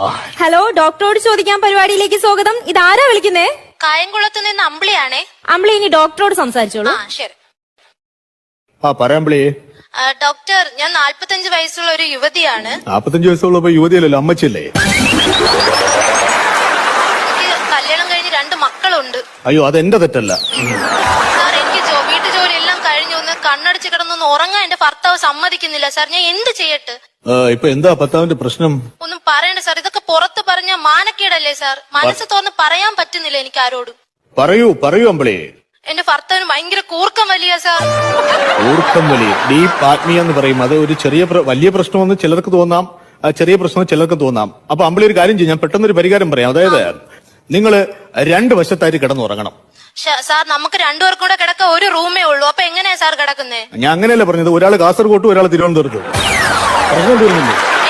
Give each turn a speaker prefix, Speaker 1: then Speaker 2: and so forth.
Speaker 1: Hello, ഡോക്ടറോട് ചോദിക്കാൻ പരിപാടിയിലേക്ക് സ്വാഗതം. ഇതാരാ വിളിക്കുന്നേ?
Speaker 2: കായംകുളത്ത് നിന്ന് അമ്പിളിയാണേ.
Speaker 1: അമ്പിളി ഇനി ഡോക്ടറോട് സംസാരിച്ചോളൂ.
Speaker 2: ശരി.
Speaker 3: പറയാമ്പിളി.
Speaker 2: ഡോക്ടർ, ഞാൻ 45 വയസ്സുള്ള ഒരു യുവതിയാണ്.
Speaker 3: 45 വയസ്സുള്ളപ്പോ യുവതിയല്ലല്ലോ, അമ്മച്ചല്ലേ?
Speaker 2: എനിക്ക് കല്യാണം കഴിഞ്ഞ് 2 മക്കളുണ്ട്.
Speaker 3: അയ്യോ, അതെന്റെ തെറ്റല്ല
Speaker 2: സാർ. എനിക്ക് വീട്ടു ജോലി എല്ലാം കഴിഞ്ഞു ഒന്ന് കണ്ണടച്ച് കിടന്നൊന്ന് ഉറങ്ങാൻ എന്റെ ഭർത്താവ് സമ്മതിക്കുന്നില്ല സാർ. ഞാൻ എന്ത് ചെയ്യട്ടെ?
Speaker 3: ഇപ്പൊ എന്താ ഭർത്താവിന്റെ പ്രശ്നം?
Speaker 2: ഒന്നും പറയണ്ട സാർ. ഇതൊക്കെ പുറത്ത് പറഞ്ഞ മാനക്കേടല്ലേ സാർ? മനസ്സ് തുറന്ന് പറയാൻ പറ്റുന്നില്ല എനിക്ക് ആരോടും.
Speaker 3: പറയൂ അമ്പിളി.
Speaker 2: എന്റെ ഭർത്താവിന് ഭയങ്കര കൂർക്കം വലിയ സാർ.
Speaker 3: കൂർക്കം വലി, ഡീപ്പ് ആത്മീയ എന്ന് പറയും. അത് ഒരു വലിയ പ്രശ്നമെന്ന് ചിലർക്ക് തോന്നാം, ചെറിയ പ്രശ്നം ചിലർക്ക് തോന്നാം. അപ്പൊ അമ്പിളി ഒരു കാര്യം ചെയ്യും, ഞാൻ പെട്ടെന്നൊരു പരിഹാരം പറയാം. അതായത് നിങ്ങള് 2 വശത്തായിട്ട് കിടന്നുറങ്ങണം.
Speaker 2: സാർ, നമുക്ക് 2 പേർക്കും കൂടെ കിടക്ക ഒരു റൂമേ ഉള്ളൂ. അപ്പൊ എങ്ങനെയാ സാർ കിടക്കുന്നേ?
Speaker 3: ഞാൻ അങ്ങനെയല്ല പറഞ്ഞത്. ഒരാൾ കാസർഗോട്ടും ഒരാൾ തിരുവനന്തപുരത്തും. പ്രശ്നം തീർന്നില്ലേ?